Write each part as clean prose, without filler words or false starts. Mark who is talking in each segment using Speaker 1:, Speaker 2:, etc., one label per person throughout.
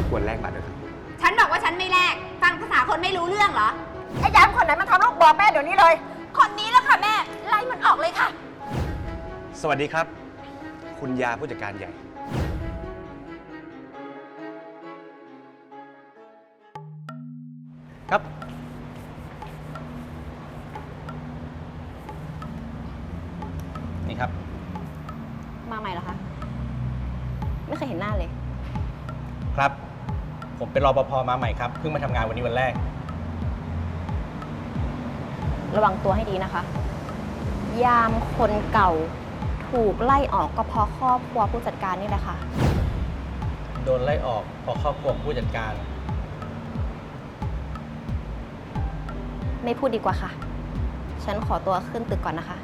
Speaker 1: ควรแลกบัตรด้วยครับ
Speaker 2: ฉันบอกว่าฉันไม่แลกฟังภาษาคนไม่รู้เรื่องเหรอ
Speaker 3: ไอ้ยามคนไหนมาทำลูกบอกแม่เดี๋ยวนี้เลย
Speaker 2: คนนี้แล้วค่ะแม่ไล่มันออกเลยค่ะ
Speaker 1: สวัสดีครับ คุณยาผู้จัดการใหญ่ครับนี่ครับ
Speaker 3: มาใหม่เหรอคะไม่เคยเห็นหน้าเลย
Speaker 1: ครับผมเป็นรปภมาใหม่ครับเพิ่งมาทำงานวันนี้วันแรก
Speaker 3: ระวังตัวให้ดีนะคะยามคนเก่าถูกไล่ออกก็เพราะครอบครัวผู้จัดการนี่แหละค่ะ
Speaker 1: โดนไล่ออกเพราะครอบครัวผู้จัดการ
Speaker 3: ไม่พูดดีกว่าค่ะฉันขอตัวขึ้นตึกก่อนนะคะ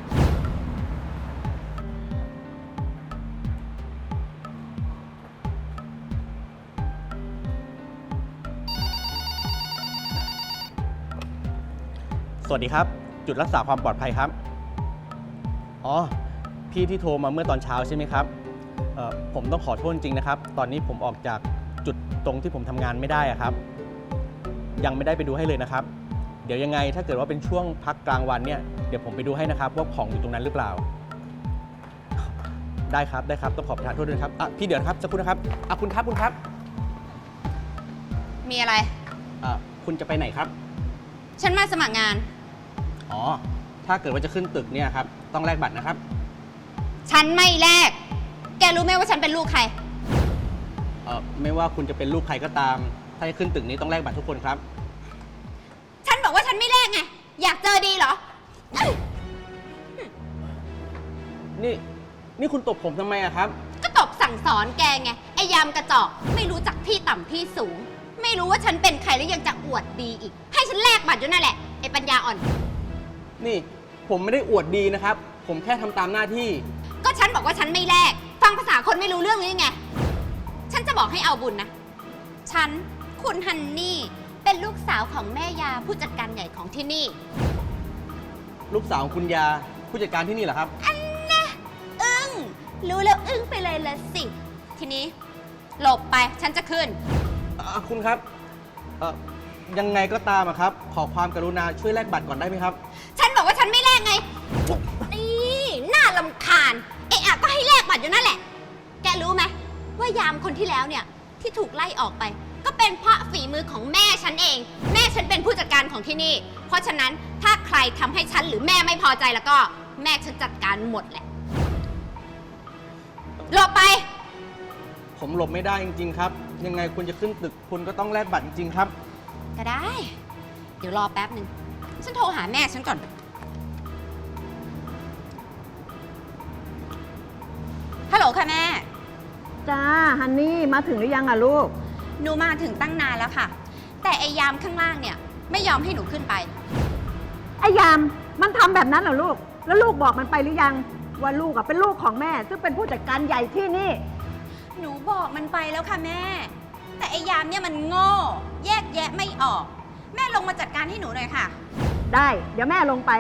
Speaker 4: สวัสดีครับจุดรักษาความปลอดภัยครับอ๋อพี่ที่โทรมาเมื่อตอนเช้าใช่ไหมครับผมต้องขอโทษจริงนะครับตอนนี้ผมออกจากจุดตรงที่ผมทำงานไม่ได้ครับยังไม่ได้ไปดูให้เลยนะครับเดี๋ยวยังไงถ้าเกิดว่าเป็นช่วงพักกลางวันเนี่ยเดี๋ยวผมไปดูให้นะครับว่าของอยู่ตรงนั้นหรือเปล่าได้ครับต้องขอประทานโทษด้วยครับพี่เดี๋ยวนะครับสักครู่นะครับคุณครับ
Speaker 2: มีอะไร
Speaker 4: คุณจะไปไหนครับ
Speaker 2: ฉันมาสมัครงาน
Speaker 4: อ๋อถ้าเกิดว่าจะขึ้นตึกเนี่ยครับต้องแลกบัตรนะครับ
Speaker 2: ฉันไม่แลกแกรู้ไหมว่าฉันเป็นลูกใคร
Speaker 4: ไม่ว่าคุณจะเป็นลูกใครก็ตามถ้าจะขึ้นตึกนี้ต้องแลกบัตรทุกคนครับ
Speaker 2: ฉันบอกว่าฉันไม่แลกไงอยากเจอดีเหรอ
Speaker 4: นี่คุณตบผมทำไมอะครับ
Speaker 2: ก็ตบสั่งสอนแกไงไอ้ยามกระจอกไม่รู้จักที่ต่ำที่สูงไม่รู้ว่าฉันเป็นใครแล้วยังจะอวดดีอีกให้ฉันแลกบัตรอยู่นั่นแหละไอ้ปัญญาอ่อน
Speaker 4: นี่ผมไม่ได้อวดดีนะครับผมแค่ทำตามหน้าที่
Speaker 2: ก็ฉันบอกว่าฉันไม่แลกฟังภาษาคนไม่รู้เรื่องหรือไงฉันจะบอกให้เอาบุญนะฉันคุณฮันนี่เป็นลูกสาวของแม่ยาผู้จัดการใหญ่ของที่นี่
Speaker 4: ลูกสาวของคุณยาผู้จัดการที่นี่เหรอครับ
Speaker 2: อันนะอึ้งรู้แล้วอึ้งไปเลยละสิทีนี้หลบไปฉันจะขึ้น
Speaker 4: คุณครับยังไงก็ตามครับขอความกรุณาช่วยแลกบัตรก่อนได้ไหมครับ
Speaker 2: ฉันบอกว่าฉันไม่แลกไงนี่น่ารำคาญเอะอะก็ให้แลกบัตรอยู่นั่นแหละแกรู้ไหมว่ายามคนที่แล้วเนี่ยที่ถูกไล่ออกไปก็เป็นเพราะฝีมือของแม่ฉันเองแม่ฉันเป็นผู้จัดการของที่นี่เพราะฉะนั้นถ้าใครทำให้ฉันหรือแม่ไม่พอใจแล้วก็แม่ฉันจัดการหมดแหละหลบไป
Speaker 4: ผมหลบไม่ได้จริงๆครับยังไงคุณจะขึ้นตึกคุณก็ต้องแลกบัตรจริงๆครับ
Speaker 2: ก็ได้เดี๋ยวรอแป๊บหนึ่งฉันโทรหาแม่ฉันก่อนฮัลโหลค่ะแม่
Speaker 3: จ้าฮันนี่มาถึงหรือยังอะลูก
Speaker 2: หนูมาถึงตั้งนานแล้วค่ะแต่ไอ้ยามข้างล่างเนี่ยไม่ยอมให้หนูขึ้นไป
Speaker 3: ไอ้ยามมันทำแบบนั้นเหรอลูกแล้วลูกบอกมันไปหรือยังว่าลูกอะเป็นลูกของแม่ซึ่งเป็นผู้จัดการใหญ่ที่นี่
Speaker 2: หนูบอกมันไปแล้วค่ะแม่แต่ไอ้ยามเนี่ยมันโง่แยกแยะไม่ออกแม่ลงมาจัดการให้หนูหน่อยค่ะ
Speaker 3: ได้เดี๋ยวแม่ลงไป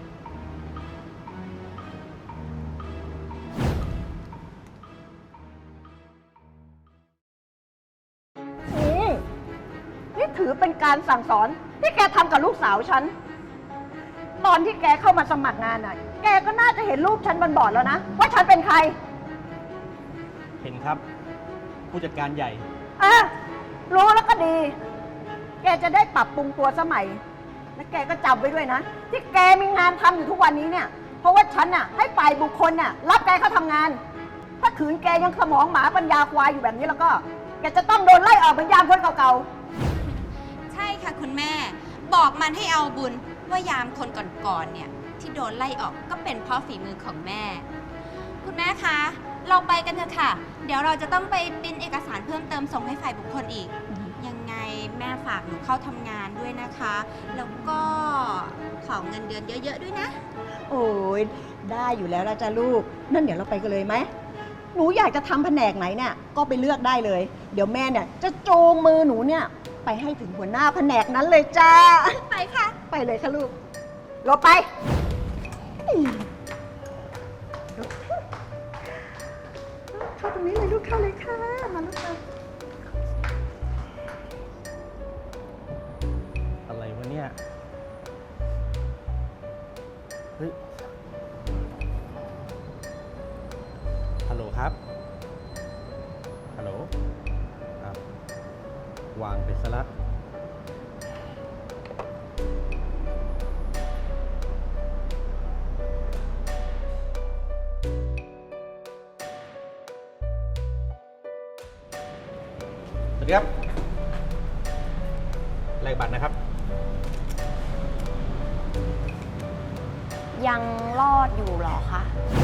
Speaker 3: นี่ถือเป็นการสั่งสอนที่แกทำกับลูกสาวฉันตอนที่แกเข้ามาสมัครงานน่ะแกก็น่าจะเห็นรูปฉันบนบอร์ดแล้วนะว่าฉันเป็นใคร
Speaker 4: เห็นครับผู้จัดการใหญ่
Speaker 3: รู้แล้วก็ดีแกจะได้ปรับปรุงตัวสมัยและแกก็จำไว้ด้วยนะที่แกมีงานทำอยู่ทุกวันนี้เนี่ยเพราะว่าฉันน่ะให้ฝ่ายบุคคลน่ะรับแกเข้าทำงานถ้าขืนแกยังสมองหมาปัญญาควายอยู่แบบนี้แล้วก็แกจะต้องโดนไล่ออกเหมือนยามคนเก่า
Speaker 2: ๆใช่ค่ะคุณแม่บอกมันให้เอาบุญว่ายามคนก่อนๆเนี่ยที่โดนไล่ออกก็เป็นเพราะฝีมือของแม่คุณแม่คะเราไปกันเถอะค่ะเดี๋ยวเราจะต้องไปปริ้นเอกสารเพิ่มเติมส่งให้ฝ่ายบุคคลอีกยังไงแม่ฝากหนูเข้าทำงานด้วยนะคะแล้วก็ขอเงินเดือนเยอะๆด้วยนะ
Speaker 3: โอ้ยได้อยู่แล้วละจ้ะลูกนั่นเดี๋ยวเราไปกันเลยไหมหนูอยากจะทำแผนกไหนเนี่ยก็ไปเลือกได้เลยเดี๋ยวแม่เนี่ยจะจูงมือหนูเนี่ยไปให้ถึงหัวหน้าแผนกนั้นเลยจ้า
Speaker 2: ไปค่ะ
Speaker 3: ไปเลยค่ะลูกรอไปเข้าตรงนี้เลยลูกเข้าเลยค่ะมาลูกมา
Speaker 4: เฮ้ย ฮัลโหลครับ ฮัลโหลครับ วางไปซะละ สวัสดีครับแลกบัตรนะครับ
Speaker 5: ยังรอดอยู่เหรอคะ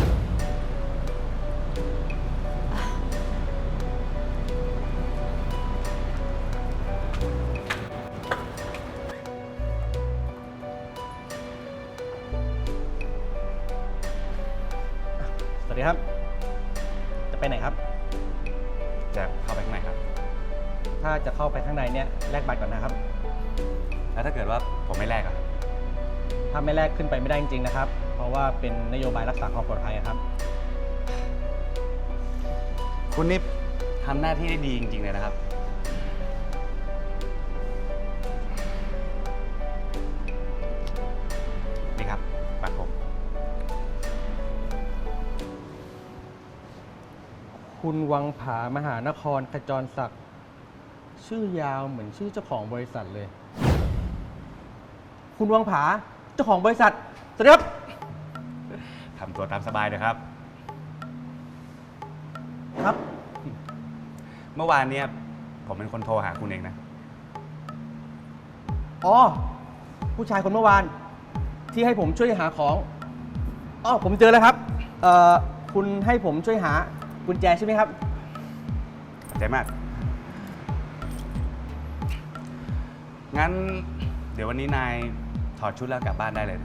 Speaker 4: สวัสดีครับ จะไปไหนครับ
Speaker 6: จะเข้าไปข้างในครับ
Speaker 4: ถ้าจะเข้าไปข้างในเนี่ยแลกบัตรก่อนนะครับ
Speaker 6: แล้วถ้าเกิดว่าผมไม่แลกอะ
Speaker 4: ถ้าไม่แลกขึ้นไปไม่ได้จริงๆนะครับ เพราะว่าเป็นนโยบายรักษาความปลอดภัยครับ
Speaker 6: คุณนี่ทำหน้าที่ได้ดีจริงๆเลยนะครับ นี่ครับบัตรผม
Speaker 4: คุณวังผามหานครขจรศักดิ์ชื่อยาวเหมือนชื่อเจ้าของบริษัทเลย คุณวังผาเจ้าของบริษัทสวัสดีครับ
Speaker 6: ทำตัวตามสบายเลยครับ
Speaker 4: ครับ
Speaker 6: เมื่อวานเนี่ยผมเป็นคนโทรหาคุณเองนะ
Speaker 4: อ๋อ ผู้ชายคนเมื่อวาน ที่ให้ผมช่วยหาของอ๋อผมเจอแล้วครับ คุณให้ผมช่วยหากุญแจใช่ไหมครับ
Speaker 6: ขอบใจมาก งั้นเดี๋ยววันนี้นายถอดชุดแล้วกลับบ้านได้เลยนะ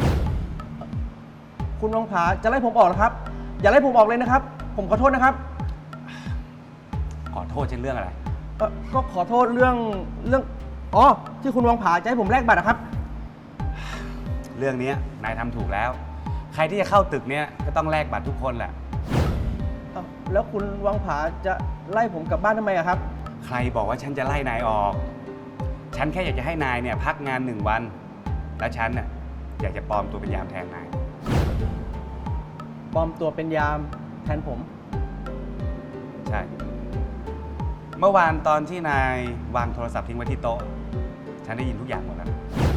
Speaker 4: คุณวังผาจะไล่ผมออกเหรอครับ อย่าไล่ผมออกเลยนะครับ ผมขอโทษนะครับ
Speaker 6: ขอโทษเช่นเรื่องอะไร
Speaker 4: ก็ขอโทษเรื่องอ๋อที่คุณวังผาจะให้ผมแลกบัตรนะครับ
Speaker 6: เรื่องนี้นายทำถูกแล้ว ใครที่จะเข้าตึกเนี้ยก็ต้องแลกบัตรทุกคนแหละ
Speaker 4: แล้วคุณวังผาจะไล่ผมกลับบ้านทำไมอะครับ
Speaker 6: ใครบอกว่าฉันจะไล่นายออก ฉันแค่อยากจะให้นายเนี่ยพักงาน1 วัน แล้วฉันน่ะอยากจะปลอมตัวเป็นยามแทนนาย
Speaker 4: ปลอมตัวเป็นยามแทนผม
Speaker 6: ใช่ เมื่อวานตอนที่นายวางโทรศัพท์ทิ้งไว้ที่โต๊ะ ฉันได้ยินทุกอย่างหมดแล้วนะ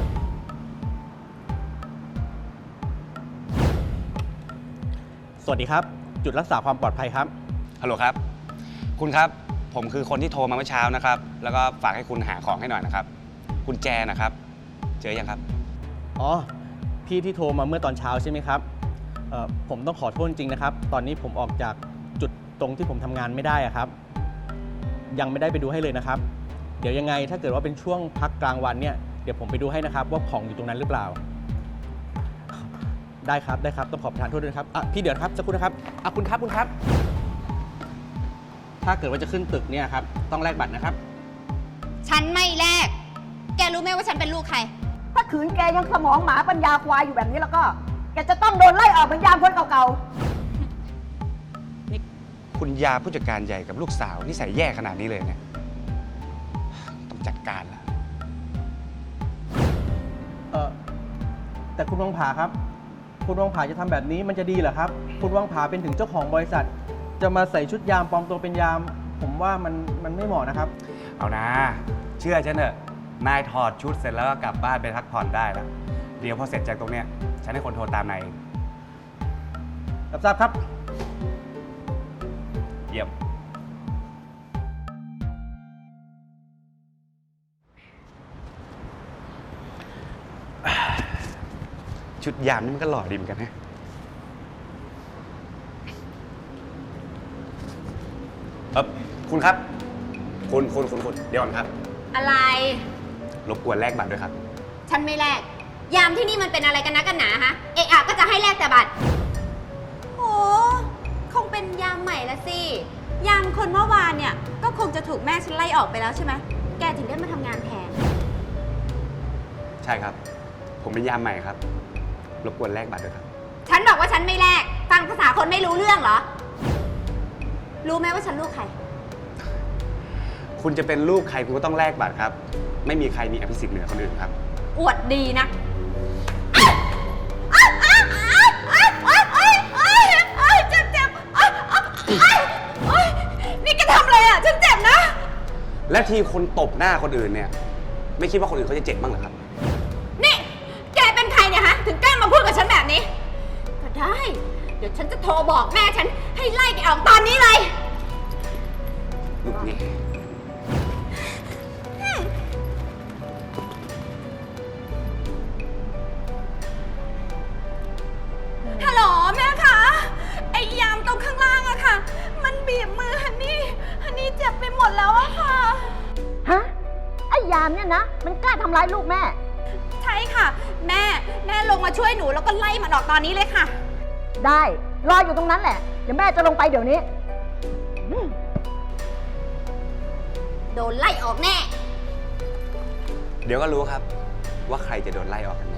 Speaker 4: สวัสดีครับ จุดรักษาความปลอดภัยครับ
Speaker 6: ฮัลโหลครับ คุณครับ ผมคือคนที่โทรมาเมื่อเช้านะครับ แล้วก็ฝากให้คุณหาของให้หน่อยนะครับ กุญแจนะครับ เจอยังครับ
Speaker 4: อ๋อ พี่ที่โทรมาเมื่อตอนเช้าใช่ไหมครับ ผมต้องขอโทษจริงนะครับ ตอนนี้ผมออกจากจุดตรงที่ผมทำงานไม่ได้อะครับ ยังไม่ได้ไปดูให้เลยนะครับ เดี๋ยวยังไงถ้าเกิดว่าเป็นช่วงพักกลางวันเนี่ยเดี๋ยวผมไปดูให้นะครับว่าของอยู่ตรงนั้นหรือเปล่า ได้ครับได้ครับต้องขอประทานโทษด้วยนะครับพี่เดี๋ยวครับสักครู่นะครับคุณครับ ถ้าเกิดว่าจะขึ้นตึกเนี่ยครับต้องแลกบัตรนะครับ
Speaker 2: ฉันไม่แลก แกรู้ไหมว่าฉันเป็นลูกใคร
Speaker 3: ถ้าขืนแกยังสมองหมาปัญญาควายอยู่แบบนี้แล้วก็ แกจะต้องโดนไล่ออกเหมือนยามคนเก่า
Speaker 6: นี่คุณยาผู้จัดการใหญ่กับลูกสาวนิสัยแย่ขนาดนี้เลยเนี่ย ต้องจัดการละ
Speaker 4: แต่คุณวังผาครับ คุณวังผาจะทำแบบนี้มันจะดีเหรอครับ คุณวังผาเป็นถึงเจ้าของบริษัท จะมาใส่ชุดยามปลอมตัวเป็นยาม ผมว่ามันไม่เหมาะนะครับ
Speaker 6: เอานะ เชื่อฉันเถอะ นายถอดชุดเสร็จแล้วก็กลับบ้านไปพักผ่อนได้แล้ว เดี๋ยวพอเสร็จจากตรงเนี้ยฉันให้คนโทรตามนายเอง
Speaker 4: รับทราบครับ
Speaker 6: เยี่ยม ชุดยามนี่มันก็หล่อดีเหมือนกันนะคุณครับ คุณเดี๋ยวก่อนครับ
Speaker 2: อะไร
Speaker 6: รบกวนแลกบัตรด้วยครับ
Speaker 2: ฉันไม่แลก ยามที่นี่มันเป็นอะไรกันนะกันหนาฮะ เอะอะก็จะให้แลกแต่บัตรโหคงเป็นยามใหม่ละสิ ยามคนเมื่อวานเนี่ย ก็คงจะถูกแม่ฉันไล่ออกไปแล้วใช่ไหม แกถึงได้มาทำงานแทน
Speaker 6: ใช่ครับ ผมเป็นยามใหม่ครับ รบกวนแลกบัตรด้วยครับ
Speaker 2: ฉันบอกว่าฉันไม่แลก ฟังภาษาคนไม่รู้เรื่องเหรอ รู้ไหมว่าฉันลูกใคร
Speaker 6: คุณจะเป็นลูกใครคุณก็ต้องแลกบัตรครับ ไม่มีใครมีอภิสิทธิ์เหนือคนอื่นครับ
Speaker 2: อวดดีนะโอ๊ยนี่แกทำอะไรอ่ะ ฉันเจ็บนะ
Speaker 6: และทีคุณตบหน้าคนอื่นเนี่ย ไม่คิดว่าคนอื่นเขาจะเจ็บบ้างเหรอครับ
Speaker 2: นี่ แกเป็นใครเนี่ยฮะ ถึงกล้ามาพูดกับฉันแบบนี้ ก็ได้ เดี๋ยวฉันจะโทรบอกแม่ฉันให้ไล่แกออกตอนนี้เลย
Speaker 6: ลูกนี่
Speaker 2: ฮัลโหลแม่คะ ไอ้ยามตรงข้างล่างอะค่ะ มันบีบมือฮันนี่เจ็บไปหมดแล้วอะค่ะ
Speaker 3: ฮะ ไอ้ยามเนี่ยนะ มันกล้าทำร้ายลูกแม่
Speaker 2: ใช่ค่ะ แม่ลงมาช่วยหนูแล้วก็ไล่มันออกตอนนี้เลยค่ะ
Speaker 3: ได้ รออยู่ตรงนั้นแหละ เดี๋ยวแม่จะลงไปเดี๋ยวนี้
Speaker 2: โดนไล่ออกแน่
Speaker 6: เดี๋ยวก็รู้ครับ ว่าใครจะโดนไล่ออกกันแน่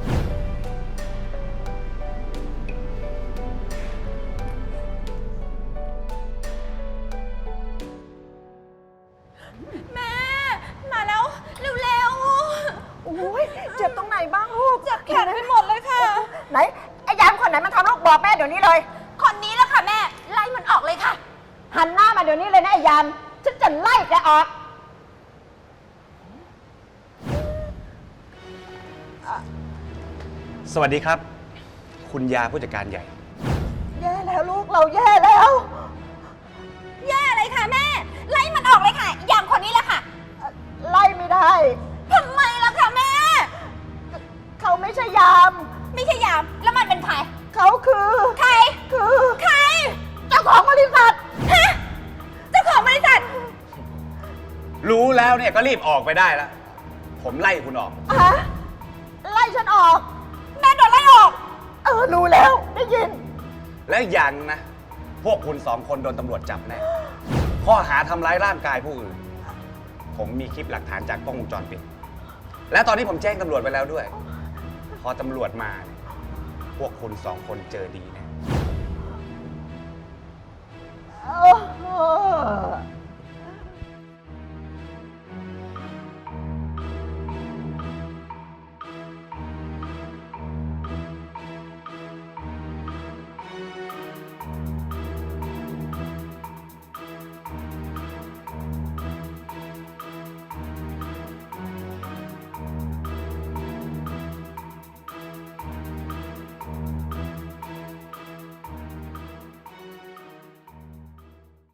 Speaker 2: แม่ มาแล้ว เร็ว
Speaker 3: โอ้ยเจ็บตรงไหนบ้างลูก
Speaker 2: ๆเจ็บแขนไปหมดเลยค่ะ
Speaker 3: ไหน ไอ้ยามคนไหนมันทำลูกบอกแม่เดี๋ยวนี้เลย
Speaker 2: คนนี้แล้วค่ะแม่ ไล่มันออกเลยค่ะ
Speaker 3: หันหน้ามาเดี๋ยวนี้เลยนะไอ้ยาม ฉันจะไล่แกออก
Speaker 6: สวัสดีครับ คุณยาผู้จัดการใหญ่
Speaker 3: แย่แล้วลูกเราแย่แล้ว
Speaker 2: แย่เลยค่ะแม่ ไล่มันออกเลยค่ะ อย่างคนนี้แหละค่ะ
Speaker 3: ไล่ไม่ได้
Speaker 2: ทำไมล่ะคะแม่
Speaker 3: เขาไม่ใช่ยาม
Speaker 2: ไม่ใช่ยาม แล้วมันเป็นใคร
Speaker 3: เขาคือ
Speaker 2: ใคร
Speaker 3: คือ
Speaker 2: ใคร
Speaker 3: เจ้าของบริษัท
Speaker 2: ฮะ เจ้าของบริษัท
Speaker 6: รู้แล้วเนี่ยก็รีบออกไปได้แล้ว ผมไล่คุณออก
Speaker 3: ฮะ ไล่ฉันออก
Speaker 2: แม่โดนไล่ออก
Speaker 3: รู้แล้ว ได้ยิน
Speaker 6: แล้วอีกอย่างนะ พวกคุณสองคนโดนตำรวจจับแน่ ข้อหาทำร้ายร่างกายผู้อื่น ผมมีคลิปหลักฐานจากกล้องวงจรปิด และตอนนี้ผมแจ้งตำรวจไปแล้วด้วย พอตำรวจมาเนี่ยพวกคุณสองคนเจอดีแน่
Speaker 3: โอ้โห